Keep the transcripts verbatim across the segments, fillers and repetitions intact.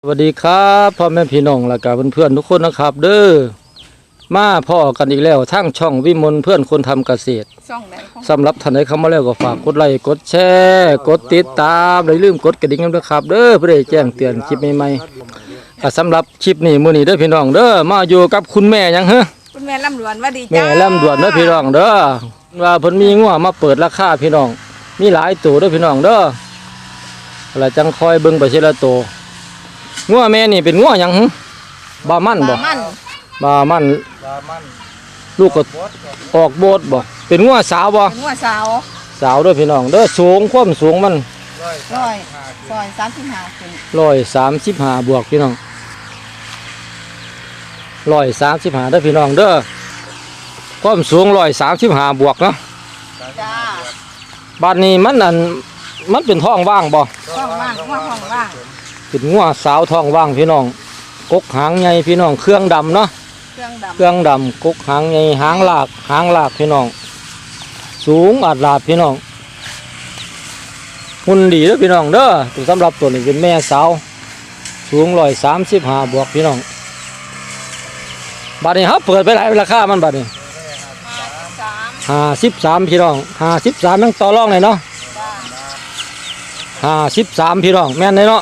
สวัสดีครับพ่อแม่พี่น้องและกับเพื่อนๆทุกคนนะครับเด้อมาพ่อกันอีกแล้วทั้งช่องวิมลเพื่อนคนทำเกษตรสำหรับท่านใดเข้ามาแล้วก็ฝากกดไลค์กดแชร์กดติดตามอย่าลืมกดกระดิ่งด้วยครับเด้อเพื่อแจ้งเตือนคลิปใหม่ๆก็สำหรับคลิปนี้มื้อนี้เด้อพี่น้องเด้อมาอยู่กับคุณแม่ยังฮะคุณแม่ลำดวนว่าดีจ้าแม่ลำดวนเด้อพี่น้องเด้อว่าเพิ่นมีงัวมาเปิดราคาพี่น้องมีหลายตัวเด้อพี่น้องเด้อแล้วจังคอยเบิ่งไปทีละตัวงัวแม่นี่เป็นงัวหยังหึบามันบ่บามันบามันลูกก็ออกโบดบ่เป็นงัวสาวบ่เป็นงัวสาวสาวด้วยพี่น้องเด้อสูงความสูงมันร้อยซอยสามสิบห้าขึ้นร้อยสามสิบห้าบวกพี่น้องร้อยสามสิบห้าเด้อพี่น้องเด้อความสูงร้อยสามสิบห้าบวกเนาะจ้าบ้านนี้มันอันมันเป็นท้องว่างบ่ท้องว่างงัวท้องว่างเป็นงัวสาวท้องว่างพี่น้องกกหางใหญ่พี่น้องเครื่องดำเนาะเครื่องดำเครื่องดำกกหางใหญ่หางลากหางลากพี่น้องสูงอาดลาดพี่น้องหุ่นดีเด้อพี่น้องเด้อตัวสำหรับตัวนี้เป็นแม่สาวสูงร้อยสามสิบห้าบวกพี่น้องบัดนี้ครับเปิดไปหลายราคามันบัดนี้ห้าสิบสามพี่น้องห้าสิบสามยังต่อรองเลยเนาะห้าสิบสามพี่น้องแม่นเลยเนาะ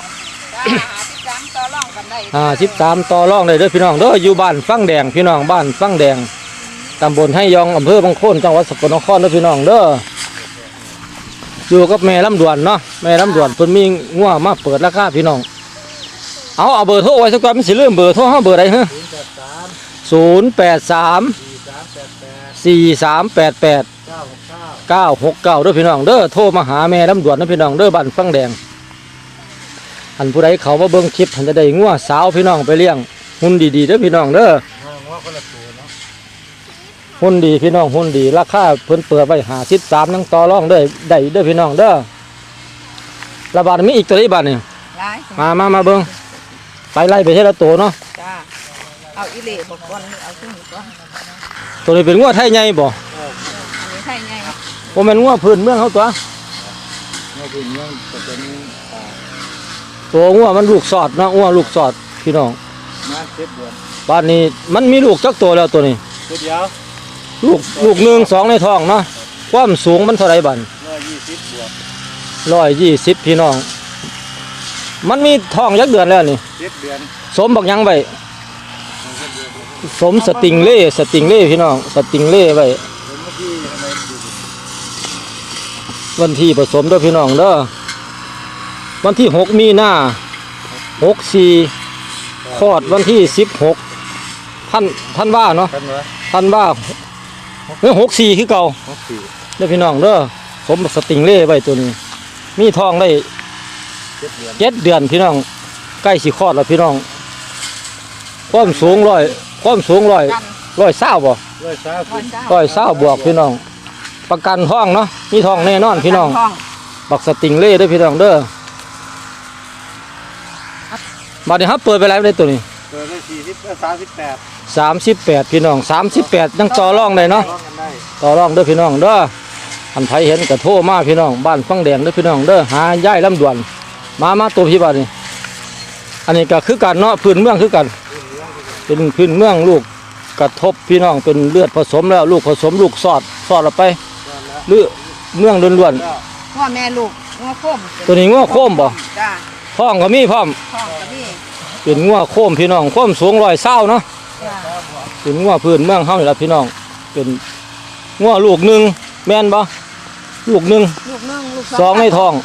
ห้าสิบสามต่อรองเลยเด้อพี่น้องเด้ออยู่บ้านฟังแดงพี่น้องบ้านฟังแดงตำบลให้ยองอำเภอบางโคนจังหวัดสกลนครเด้อพี่น้องเด้ออยู่กับแม่ลำดวนเนาะแม่ลำดวนเพิ่นมีงัวมาเปิดราคาพี่น้องเอาเอาเบอร์โทรไว้สักก่อนมันสิลืมเบอร์โทรเฮาเบอร์ใดฮะศูนย์แปดสามสี่สามแปดแปดเก้าหกเก้าเด้อพี่น้องเด้อโทรมาหาแม่ลำดวนเด้อพี่น้องเด้อบ้านฟังแดงอันผู้ใดเขามาเบิ่งคลิปท่านจะได้งัวสาวพี่น้องไปเลี้ยงหุ่นดีๆเด้อพี่น้องเด้อหุ่นดีพี่น้องหุ่นดีราคาเพิ่นเปิดไว้ห้าสิบสามนั่งต่อรองได้ได้เด้อพี่น้องเด้อระบาดมีอีกตัวอีกบาทนี่มามามาเบิ่งไปไล่ไปเท่าละตัวเนาะจ้าเอาอีเล่บอกก่อนเอาขึ้นก่อนตัวนี้เป็นงัวไทยใหญ่บ่อันนี้ไทยใหญ่บ่แม่นงัวพื้นเมืองเขาตัวงัวพื้นเมืองก็เป็นตัวงัวมันลูกสอดเนาะงัวลูกสอดพี่น้องมาเจ็ดเดือนบ้านนี้มันมีลูกจักตัวแล้วตัวนี้ตัวเดียวลูกลูกหนึ่งสองในท้องเนาะความสูงมันเท่าไรบันร้อยยี่สิบบวกร้อยยี่สิบพี่น้องมันมีท้องยักเดือนแล้วนี่เจ็ดเดือนสมบักยังไว้สมสติงเล่สติงเล่พี่น้องสติงเล่ไว้วันที่ผสมด้วยพี่น้องเด้อวันที่หกมีนาหกสี่คลอดวันที่สิบหกท่านท่านว่าเนาะท่านว่าเฮ้ยหกสี่คือเก่าเด้อพี่น้องเด้อสมสติงเล่ไว้ตัวนี้มีทองได้เจ็ดเดือนพี่น้องใกล้สิคลอดแล้วพี่น้องความสูงร้อยความสูงร้อยร้อยเศร้าบ่ร้อยเศร้าร้อยเศร้าบวกพี่น้องประกันทองเนาะมีทองแน่นอนพี่น้องบักสติงเล่ด้วยพี่น้องเด้อมาเดี๋ยวครับเปิดไปแล้วได้ตัวนี้เปิดได้สี่สิบสามสิบแปดสามสิบแปดพี่น้องสามสิบแปดยังต่อรองได้เนาะต่อรองเด้อพี่น้องเด้ออันไผเห็นกระโทมาพี่น้องบ้านฟังแดงเด้อพี่น้องเด้อหาย่ายลำดวนมามาตัวพี่บ้านนี่อันนี้ก็คือกันเนาะพื้นเมืองคือกันเป็นพื้นเมืองลูกกระทบพี่น้องเป็นเลือดผสมแล้วลูกผสมลูกสอดสอดออกไปหรือเมืองล้วนๆว่าแม่ลูกงัวโค้มตัวนี้งัวโค้มบ่จ้าท้องก็มีพร้อมท้องก็มีเป็นงัวโค้มพี่น้องโค้มสูงร้อยเศร้าเนาะเป็นงัวพื้นเมืองเฮานี่ล่ะพี่น้องเป็นงัวลูกหนึ่งแม่นบ่ลูกหนึ่งสองในท้อง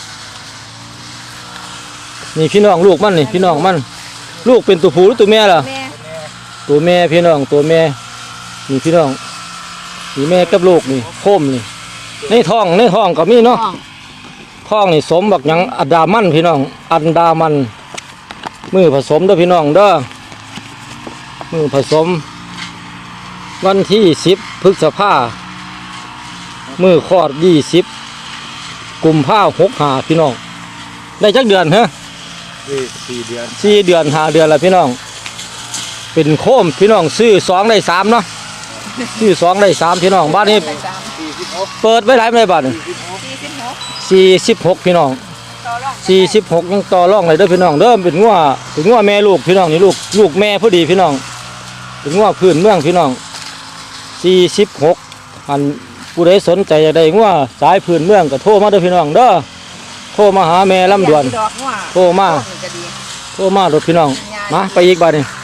นี่พี่น้องลูกมันนี่พี่น้องมันลูกเป็นตัวผู้หรือตัวแม่ล่ะตัวแม่พี่น้องตัวแม่นี่พี่น้องนี่แม่กับลูกนี่โค้มนี่ในท้องในท้องก็มีเนาะท้องนี่สมบักยังอันดามันพี่น้องอันดามันมือผสมเด้อพี่น้องเด้อมือผสมวันที่สิบพฤษภามือคลอดยี่สิบกุมภาหกหาพี่น้องได้จักเดือนฮะสี่เดือนสี่เดือนห้าเดือนแล้วพี่น้องเป็นโค้มพี่น้องซื้อสองได้สามเนาะซื้อสองได้สามพี่น้องบ้านนี้เปิดไว้หลายไม่ได้บ้านสี่สิบหกพี่น้องต่อรองสี่สิบหกยังต่อรองเลยเด้อพี่น้องเด้อเป็นงัวเป็นงัวแม่ลูกพี่น้องนี่ลูกลูกแม่พอดีพี่น้องเป็นงัวพื้นเมืองพี่น้องสี่สิบหกอันผู้ใดสนใจอยากได้งัวสายพื้นเมืองก็โทรมาเด้อพี่น้องเด้อโทรมาหาแม่ลำดวนดอกว่าโทรมาต้นก็ดีโทรมาโดดพี่น้องมาไปอีกบาดนี่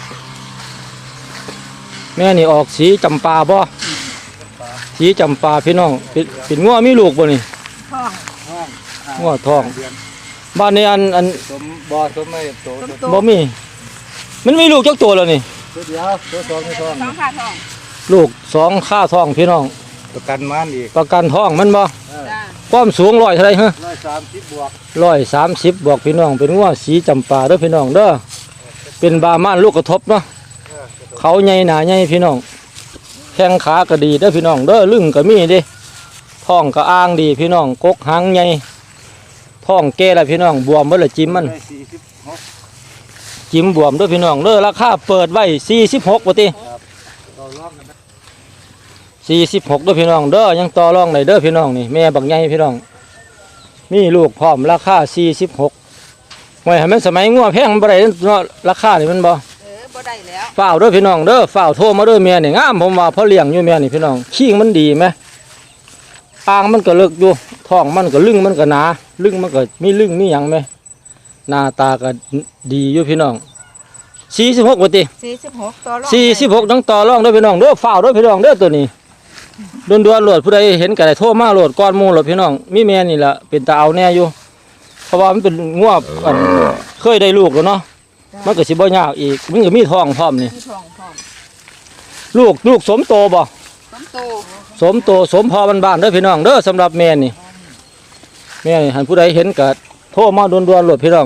แม่นี่ออกสีจำปาบ่สีจำปาพี่น้องเป็นเป็นงัวมีลูกบ่นี่ท้องห้องงัวทองเดือนบ้านนี้อันอันสมบ่สมไม่โตต้นตัวโตบ่มีมันมีลูกจักตัวแล้วนี่เดียวตัวสองตัวสองสองขาท้องลูกสองค่าทองพี่น้องประกันมันอีกประกันทองมันบ่จ้าความสูงร้อยเท่าไหรฮะร้อยสามสิบบวกร้อยสามสิบบวกพี่น้องเป็นงัวสีจำปาเด้อพี่น้องเด้อเป็นบาม่านลูกกระทบเนาะเขาใหญ่หนาใหญ่พี่น้องแข้งขาก็ดีเด้อพี่น้องเด้อลึงก็มีเด้ท้องก็อ้างดีพี่น้องกกหางใหญ่ท้องแก่แล้วพี่น้องบวมเบิ่ละจิ้มมันได้สี่สิบหกจิ้มบวมเด้อพี่น้องเด้อราคาเปิดไว้สี่สิบหกบ่ติต่อรองกันนะสี่สิบหกเด้อพี่น้องเด้อยังต่อรองได้เด้อพี่น้องนี่แม่บักใหญ่พี่น้องมีลูกพร้อมราคาสี่สิบหกไว้ให้มันสมัยงัวแพงมันบ่ได้เนาะราคานี่มันบ่เออบ่ได้แล้วฝ้าวเด้อพี่น้องเด้อฝ้าวโทรมาเด้อแม่นี่งามผมว่าเพราะเลี้ยงอยู่แม่นี่พี่น้องขี้งมันดีไหมอ่างมันก็เลิกอยู่ท้องมันก็ลึงมันก็หนาลึงมันก็มีลึงมีหยังไหมหน้าตาก็ดีอยู่พี่น้องสี่สิบหกว่าติสี่สิบหกต่อรองสี่สิบหกต้องต่อรองเด้อพี่น้องเด้อฝ้าวเด้อพี่น้องเด้อตัวนี้ดวนดวนๆโหลดผู้ใดเห็นก็ได้โทรมาโหลดก้อนหมูโหลดพี่น้องมีแม่นี่แหละเป็นตาเอาแน่อยู่เพราะว่ามันเป็นงวบอันเคยได้ลูกแล้วเนาะมันก็สิบ่ยากอีกมันก็มีท้องพร้อมนี่มีท้องพร้อมลูกลูกสมโตบ่ต้นโตสมโตสมพอบ้านๆเด้อพี่น้องเด้อสำหรับแม่นี่แม่นี่หันผู้ใดเห็นก็โทรมาด่วนๆโหลดพี่น้อง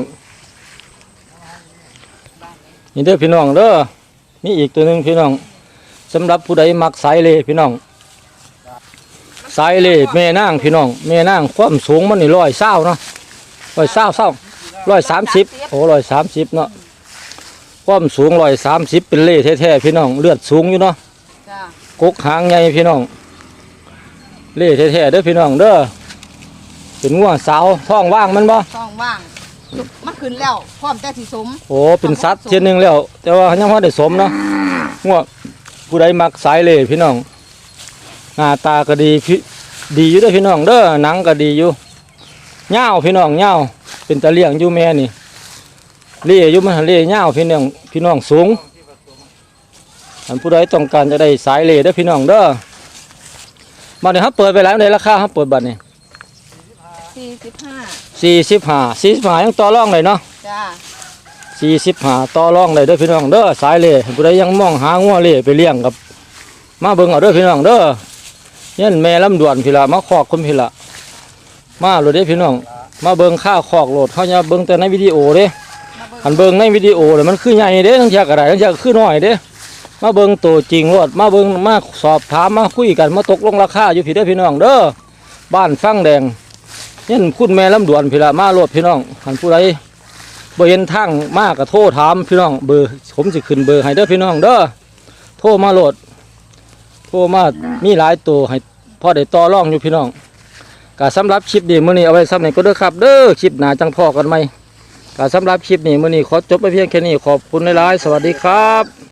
นี่เด้อพี่น้องเด้อมีอีกตัวหนึงพี่น้องสำหรับผู้ใดมักสายเลพี่น้องสายเลแม่นางพี่น้องแม่นางความสูงมันนี่ร้อยเศร้าเนาะร้อยเศร้าเศร้าร้อยสามสิบโอ้ร้อยสามสิบเนาะความสูงร้อยสามสิบเป็นเล่แท้ๆพี่น้องเลือดสูงอยู่เนาะจ้ากกหางใหญ่พี่น้องเล่แท้ๆเด้อพี่น้องเด้อเป็นงัวสาวท้องว่างมันบ่ท้องว่างมันขึ้นแล้วพร้อมแต่สิสมโอ้เป็นสัตว์เช่นหนึ่งแล้ว แต่ว่ายังพอได้สมเนาะงัวผู้ใดมักสายเล่พี่น้องหน้าตาก็ดีพี่ดีอยู่เด้อพี่น้องเด้อหนังก็ดีอยู่เงาวพี่น้องเงาวเป็นตะเลี่ยงอยู่แม่นี่เล่อยู่มันเล่เงาวพี่น้องพี่น้องสูงอันผู้ใดต้องการจะได้สายเล่เด้อพี่น้องเด้อมาเดี๋ยวครับเปิดไปแล้วในราคาครับเปิดบัตรนี่สี่สิบห้าสี่สิบห้าสี่สิบห้ายังต่อรองเลยเนาะจ้าสี่สิบห้าต่อรองเลยเด้อพี่น้องเด้อสายเล่ผู้ใดยังมองหางัวเล่ไปเลี้ยงกับมาเบิ่งเอาเด้อพี่น้องเด้อยันแม่ลำดวนพี่ละมาคอกคนพี่ละมาโหลดเด้อพี่น้องมาเบิ่งค่าคอกโหลดเขาจะเบิ่งแต่ในวิดีโอเด้มาเบิ่งหันเบิ่งในวิดีโอเลยมันคือใหญ่เด้ทั้งจากอะไรทั้งจากคือน้อยเด้มาเบิ่งตัวจริงโลดมาเบิ่งมาสอบถามมาคุยกันมาตกลงราคาอยู่พี่เด้อพี่น้องเด้อบ้านฟังแดงยันคุณแม่ลำดวนพี่ละมาโหลดพี่น้องหันผู้ใดบ่เห็นทางมากก็โทรถามพี่น้องเบอร์ผมสิขึ้นเบอร์ให้เด้อพี่น้องเด้อโทรมาโหลดโทรมามีหลายตัวให้พ่อได้ต่อรองอยู่พี่น้องก็สำหรับคลิปนี้มื้อนี้เอาไว้ซ้ำนี่ก็เด้อครับเด้อคลิปหน้าจังพ่อกันไหมก็สำหรับคลิปนี้มื้อนี้ขอจบไปเพียงแค่นี้ขอบคุณหลายๆสวัสดีครับ